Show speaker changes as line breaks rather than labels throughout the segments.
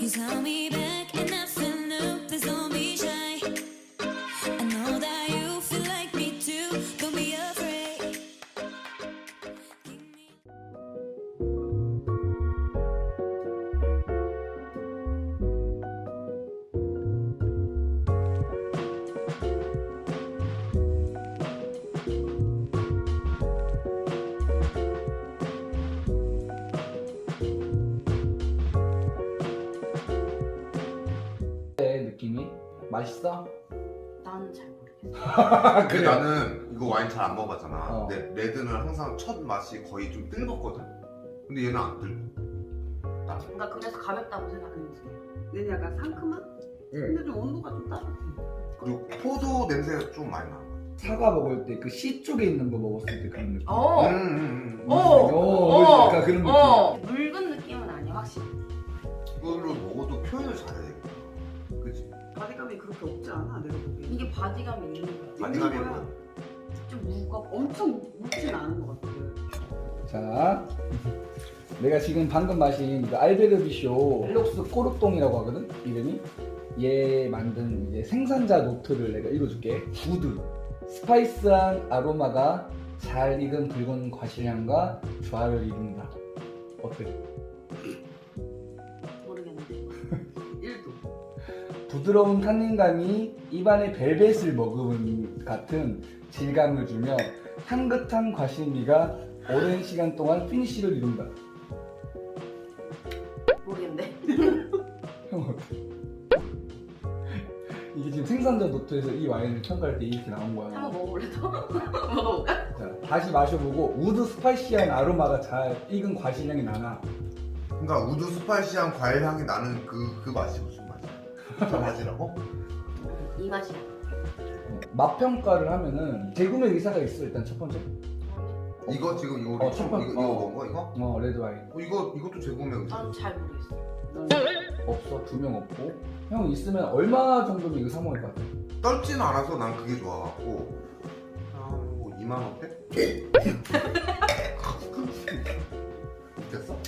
Please hold me back and nothing new. Please don't be shy. I know that you feel like me too. Don't be afraid. Give me
느낌이 맛있어?
나는 잘 모르겠어.
근데
그래.
나는 이거 와인 잘 안 먹어봤잖아.
어.
근데 레드는 항상 첫 맛이 거의 좀 뜰겁거든. 근데 얘는 안 뜰고.
나 그래서 가볍다고 생각했는데.
얘는 약간 상큼한? 근데 좀 온도가 좀 따뜻해.
그리고 포도 냄새가 좀 많이 나.
사과 먹을 때 그 씨 쪽에 있는 거 먹었을 때 그런 느낌. 약간 그런 느낌.
묽은 느낌은 아니야 확실히.
이걸로 먹어도 표현을 잘해야 되겠다. 그치?
바디감이 그렇게 없지 않아, 내가 보기엔.
이게 바디감이 있는 거야.
바디감이
거야.
뭐야?
좀 무겁고.
엄청 묵진 않은 것 같아.
자, 내가 지금 방금 마신 그 알베르비쇼 헬록스 꼬르똥이라고 하거든, 이름이. 얘 만든 이제 생산자 노트를 내가 읽어줄게. 구드, 스파이스한 아로마가 잘 익은 붉은 과실향과 조화를 이룬다. 어때?
모르겠는데.
1도.
부드러운 탄닌감이 입안에 벨벳을 머금은 같은 질감을 주며 향긋한 과실미가 오랜 시간 동안 피니쉬를 이룬다.
모르겠는데.
형 어때? 이게 지금 생산자 노트에서 이 와인을 평가할 때 이렇게 나온 거야.
한번 먹어볼래 또? 먹어볼까?
자, 다시 마셔보고 우드 스파이시한 아로마가 잘 익은 과실향이 나나.
그러니까 우드 스파이시한 과일 향이 나는 그 맛이 무슨 맛이야? 저 맛이라고?
이 맛이야.
맛 평가를 하면은 재구매 의사가 있어. 일단 첫 번째.
이거 지금 이거 우리
첫 번째.
이거 먹은 거 이거?
레드 와인.
이것도 재구매 의사.
나는 잘 모르겠어.
없어. 2명 없고. 형 있으면 얼마 정도면 이거 사 먹을 것 같아?
떨지는 않아서 난 그게 좋아갖고 뭐 2만 원대? 웃겼어?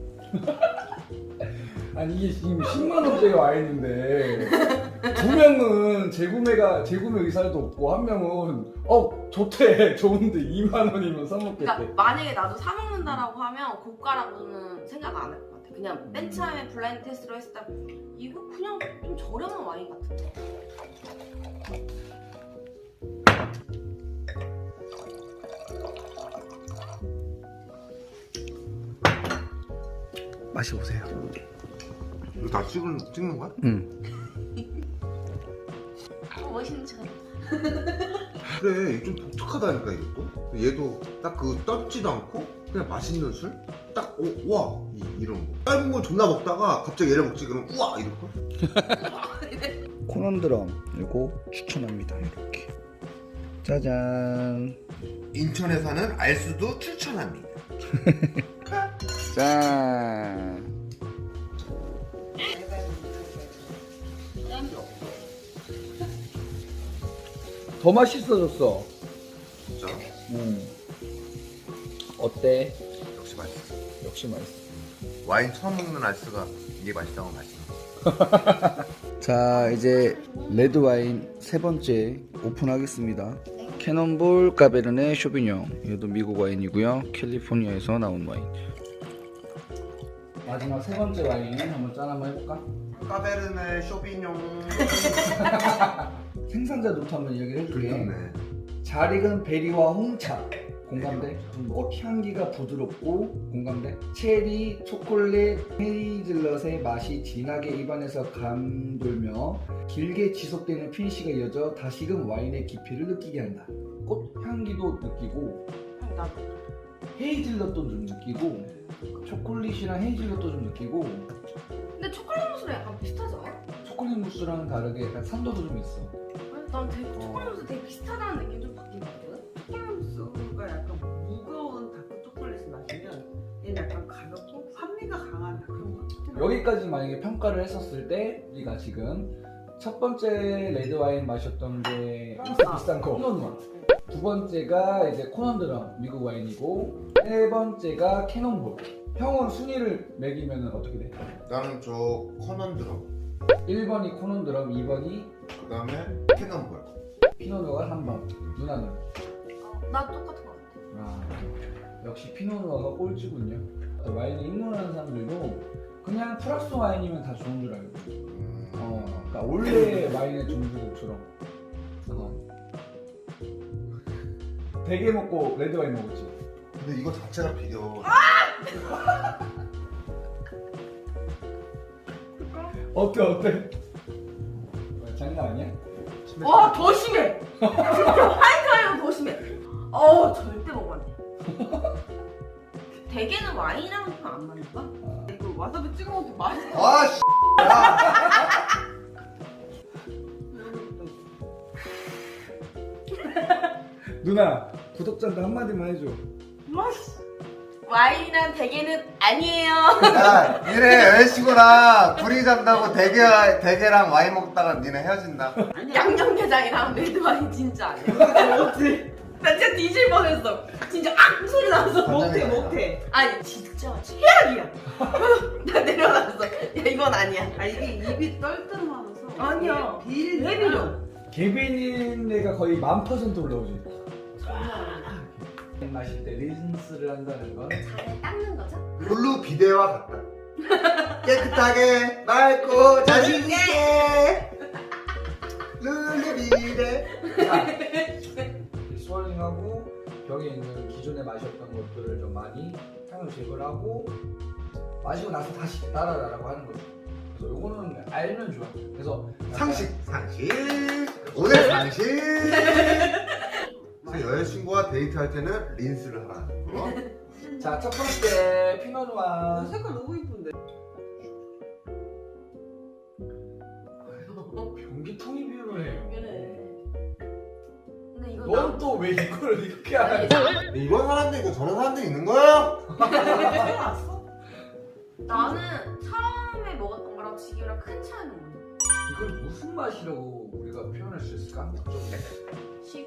아니 이게 지금 10만 원대가 와 있는데 2명은 재구매 의사도 없고 한 명은 좋대 좋은데 2만 원이면 사 먹겠대.
그러니까 만약에 나도 사 먹는다라고 하면 고가라고는 생각 안 할 것 같아. 그냥 맨 처음에 블라인드 테스트로 했을 때 이거 그냥 좀 저렴한 와인 같은데.
마셔보세요.
이거 다 찍는 거야?
응.
멋있는 척.
그래 이게 좀 독특하다니까 이것도. 얘도 딱 그 떴지도 않고 그냥 맛있는 술? 딱 우와 이런 거. 짧은 걸 존나 먹다가 갑자기 얘를 먹지 그러면 우와 이럴걸?
코넌드럼 이거 추천합니다. 이렇게 짜잔.
인천에 사는 알수도 추천합니다.
짠. 더 맛있어졌어.
진짜
어때?
역시 맛있어.
역시 맛있어.
와인 처음 먹는 알수가 이게 맛있다고 맛있어.
자, 이제 레드 와인 세 번째 오픈하겠습니다. 캐논볼 까베르네 쇼비뇽. 얘도 미국 와인이고요. 캘리포니아에서 나온 와인. 마지막 세 번째 와인 한번 짠 한번 해볼까?
까베르네 쇼비뇽.
생산자 노트 한번 이야기를 해줄게.
좋네.
잘 익은 베리와 홍차 공감대. 꽃 향기가 부드럽고 공감대. 체리, 초콜릿, 헤이즐넛의 맛이 진하게 입안에서 감돌며 길게 지속되는 피니쉬가 이어져 다시금 와인의 깊이를 느끼게 한다. 꽃 향기도 느끼고
나도.
헤이즐넛도 좀 느끼고 초콜릿이랑 헤이즐넛도 좀 느끼고
근데 초콜릿 무스랑 약간 비슷하지 않아?
초콜릿 무스랑은 다르게 약간 산도도 좀 있어.
난 되게 초콜릿 무스 되게 비슷하다는 느낌 좀 받긴 받거든?
초콜릿무스가 약간 무거운 다크 초콜릿을 마시면 얘는 약간 가볍고 산미가 강한 그런 거.
여기까지 만약에 평가를 했었을 때 우리가 지금 첫 번째 레드 와인 마셨던 게 비싼 거 코넌. 두 번째가 이제 코넌드럼 미국 와인이고 세 번째가 캐논볼 형은 순위를 매기면 어떻게 돼?
나는 저 커넌 드럼
1번이 코넌 드럼, 2번이
그 다음에 캐논볼.
피노누아, 3번. 누나는?
나 똑같은 거 같아.
아, 역시 피노누아가 꼴찌군요. 와인을 입문하는 사람들도 그냥 프랑스 와인이면 다 좋은 줄 알고. 그러니까 원래 와인의 종주국처럼. 대게 먹고 레드 와인 먹었지.
근데 이거 자체가 비려.
어때? 장난 아니야?
와, 더 심해. 진짜 화이트 와인은 더 심해. 절대 먹으면 안 돼. 대게는 와인이랑 좀 안 맞는가?
이거 와사비 찍어 먹어도 맛있어.
아 씨.
누나 구독자한테 한마디만 해줘.
와인이랑 대게는 아니에요.
야, 니네 여자친구랑 둘이 잔다고 대게랑 와인 먹다가 니네 헤어진다.
양념게장이랑 레드 와인 진짜 아니야. 나 진짜 뒤질 뻔했어. 진짜 악 소리 나서.
못해 못해.
아니 진짜 최악이야. 나 내려놨어. 야 이건 아니야.
아 이게 입이 떨떠름하면서.
아니야.
비린
왜 비려?
개빈인 데가 거의 1000% 올라오지. 마실 때 린스를 한다는 건
잘 닦는 거죠?
룰루 비데와 같다. 깨끗하게 맑고 자신있게 룰루 비데.
스월링하고 벽에 있는 기존에 마셨던 것들을 좀 많이 향을 제거를 하고 마시고 나서 다시 따라라라고 하는 거죠. 그래서 요거는 알면 좋아. 그래서
상식 오늘 상식. 여자친구와 데이트할 때는 린스를 하라는 거.
자, 첫 번째 피노누아.
색깔 너무 이쁜데.
변기통이 비유를 해요.
근데 이거
넌 또 왜 이걸 이렇게 하냐?
이런 사람도 있고 저런 사람도 있는 거예요?
해놨어?
나는 처음에 먹었던 거랑 지금이랑 큰 차이는 뭐야?
이걸 무슨 맛이라고 우리가 표현할 수 있을까?
시고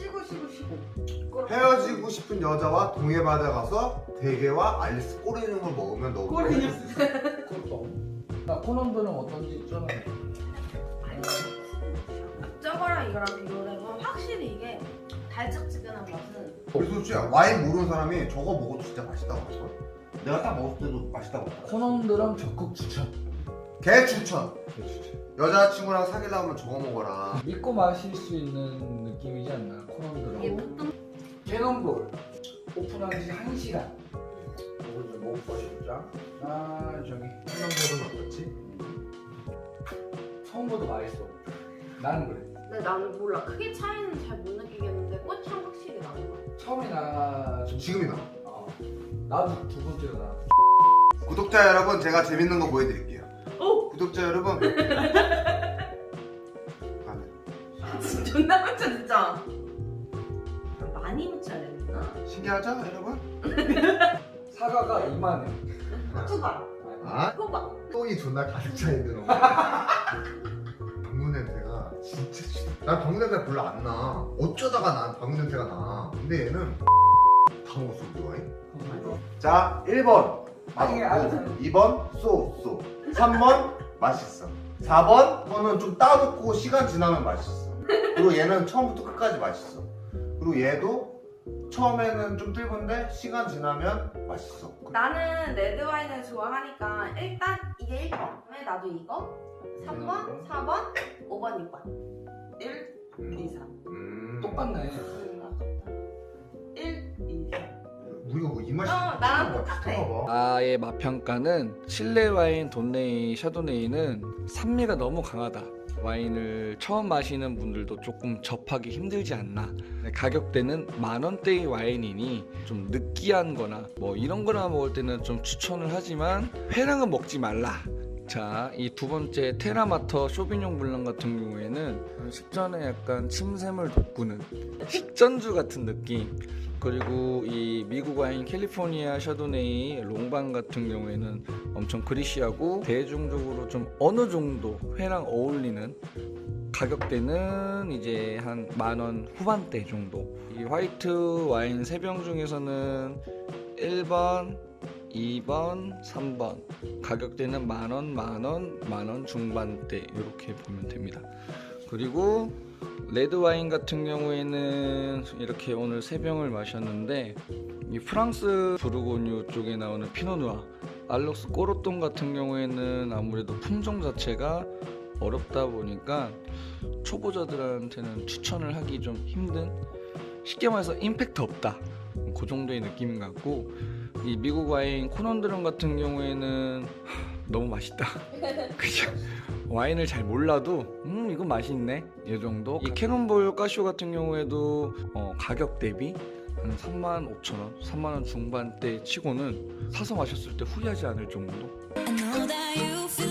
헤어지고 싶은 여자와 동해바다 가서 대게와 알리스 꼬리는 걸 먹으면 너무
꼬리는
그것도. 나 코넌드는 어떤지 좀
저거랑 이거랑 비교를 해보면 확실히 이게 달짝지근한 맛은
그래서 솔직히 와인 모르는 사람이 저거 먹어도 진짜 맛있다고 할걸? 내가 딱 먹었을 때도 맛있다고 할걸?
코넌드랑 적극 추천.
개 추천!
추천.
여자친구랑 사귀려면 저거 먹어라.
믿고 마실 수 있는 느낌이지 않나?
이게
코넌드라고.
보통
캐논볼 오픈한 지 1시간. 이걸 좀 먹어보시자. 아 저기
캐논볼은 어떻지?
처음보다 맛있어. 나는 그래.
근데 나는 몰라 크게 차이는 잘 못 느끼겠는데 꽃향 확실히 나는 거야.
처음에 나
지금이 나.
나도 두 번째가 나.
구독자 여러분, 제가 재밌는 거 보여드릴게요.
오!
구독자 여러분.
진짜 존나 깜짝 진짜. 많이 묻혀야 되나?
신기하죠 여러분?
사과가 이만해.
호박.
아?
호박.
똥이 존나 가득 차있는 거. 방구 냄새가 진짜 싫어. 난 방구 냄새가 별로 안 나. 어쩌다가 난 방구 냄새가 나. 근데 얘는 다 먹었어 우리 와인. 자, 1번
아니,
맛없고 2번 쏘 3번 맛있어. 4번 거는 좀 따놓고 시간 지나면 맛있어. 그리고 얘는 처음부터 끝까지 맛있어. 그리고 얘도 처음에는 좀 뜰건데 시간 지나면 맛있어.
나는 레드 와인을 좋아하니까 일단 이게 1번. 왜 나도 이거? 3번, 4번, 5번, 6번.
1, 2, 3.
똑같네.
1, 2, 3.
우리가 뭐 이 맛이
나랑 똑같아.
나의 맛평가는 실내 와인 돈네이 샤도네이는 산미가 너무 강하다. 와인을 처음 마시는 분들도 조금 접하기 힘들지 않나. 가격대는 10,000원대의 와인이니 좀 느끼한 거나 뭐 이런 거나 먹을 때는 좀 추천을 하지만 회랑은 먹지 말라. 자, 이 두 번째 테라마터 쇼비뇽 블랑 같은 경우에는 식전에 약간 침샘을 돋구는 식전주 같은 느낌. 그리고 이 미국 와인 캘리포니아 샤도네이 롱방 같은 경우에는 엄청 그리시하고 대중적으로 좀 어느 정도 회랑 어울리는 가격대는 이제 한 10,000원 후반대 정도. 이 화이트 와인 3병 중에서는 1번, 2번, 3번. 가격대는 만원, 만원, 만원 중반대 이렇게 보면 됩니다. 그리고 레드와인 같은 경우에는 이렇게 오늘 3병을 마셨는데 이 프랑스 부르고뉴 쪽에 나오는 피노누아 알록스 꼬르똥 같은 경우에는 아무래도 품종 자체가 어렵다 보니까 초보자들한테는 추천을 하기 좀 힘든, 쉽게 말해서 임팩트 없다, 그 정도의 느낌인 것 같고, 이 미국 와인 코넌드럼 같은 경우에는 너무 맛있다. 그죠? 와인을 잘 몰라도 이거 맛있네 이 정도. 이 캐논볼 까쇼 같은 경우에도 가격 대비 한 35,000원, 3만원 중반대 치고는 사서 마셨을 때 후회하지 않을 정도.
I know that you feel